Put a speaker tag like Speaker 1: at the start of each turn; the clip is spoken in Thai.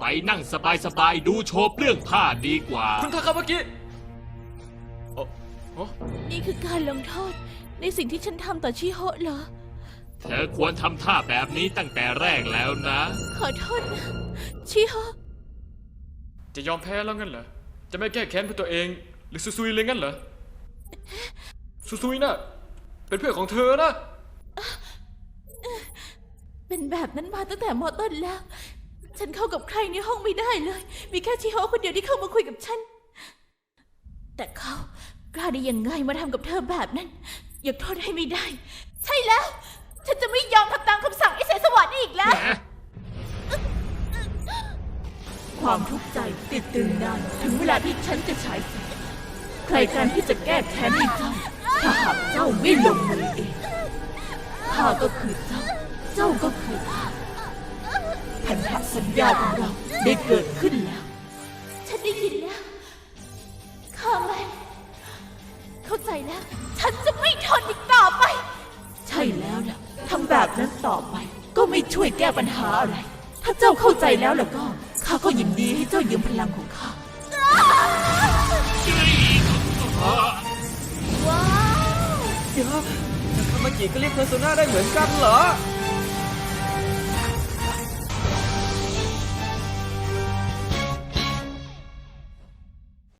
Speaker 1: นั่งสบายๆดูโชว์เปลื้องผ้าดีกว่า
Speaker 2: คุณคาคาวากิโอ้
Speaker 3: นี่คือการลงโทษในสิ่งที่ฉันทำต่อชิโฮะเหรอ
Speaker 1: เธอควรทำท่าแบบนี้ตั้งแต่แรกแล้วนะ
Speaker 3: ขอโทษนะชิโฮะ
Speaker 2: จะยอมแพ้แล้วงั้นเหรอ จะไม่แก้แค้นเพื่อตัวเอง หรือซุยเลยงั้นเหรอซุยน่ะเป็นเพื่อนของเธอนะ
Speaker 3: เป็นแบบนั้นมาตั้งแต่มอต้นแล้ว ฉันเข้ากับใครในห้องไม่ได้เลย มีแค่ชิโฮะคนเดียวที่เข้ามาคุยกับฉัน แต่เขากล้าได้ยังไงมาทำกับเธอแบบนั้นยกโทษให้ไม่ได้ ใช่แล้ว ฉันจะไม่ยอมทำตามคำสั่งไอ้แสงสว่างนี่อีกแล้ว ความทุกข์ใจติดตึงนานถึงเวลาที่ฉันจะฉายแสงใครกันที่จะแก้แค้นให้เจ้าถ้าหากเจ้าไม่ลงมือเองข้าก็คือเจ้า เจ้าก็คือข้าพันธสัญญาของเราได้เกิดขึ้นแล้ว ฉันได้ยินแล้วข้าไม่เข้าใจแล้ว ฉันจะไม่ทนอีกต่อไป ใช่แล้วล่ะทำแบบนั้นต่อไปก็ไม่ช่วยแก้ปัญหาอะไร ถ้าเจ้าเข้าใจแล้วล่ะก็ข้าก็ยินดีให้เจ้ายืมพลังของข้าว้าว
Speaker 4: เดี๋ยวคาคาวากิก็เรียกเพอร์โซนาได้เหมือนกันเหรอ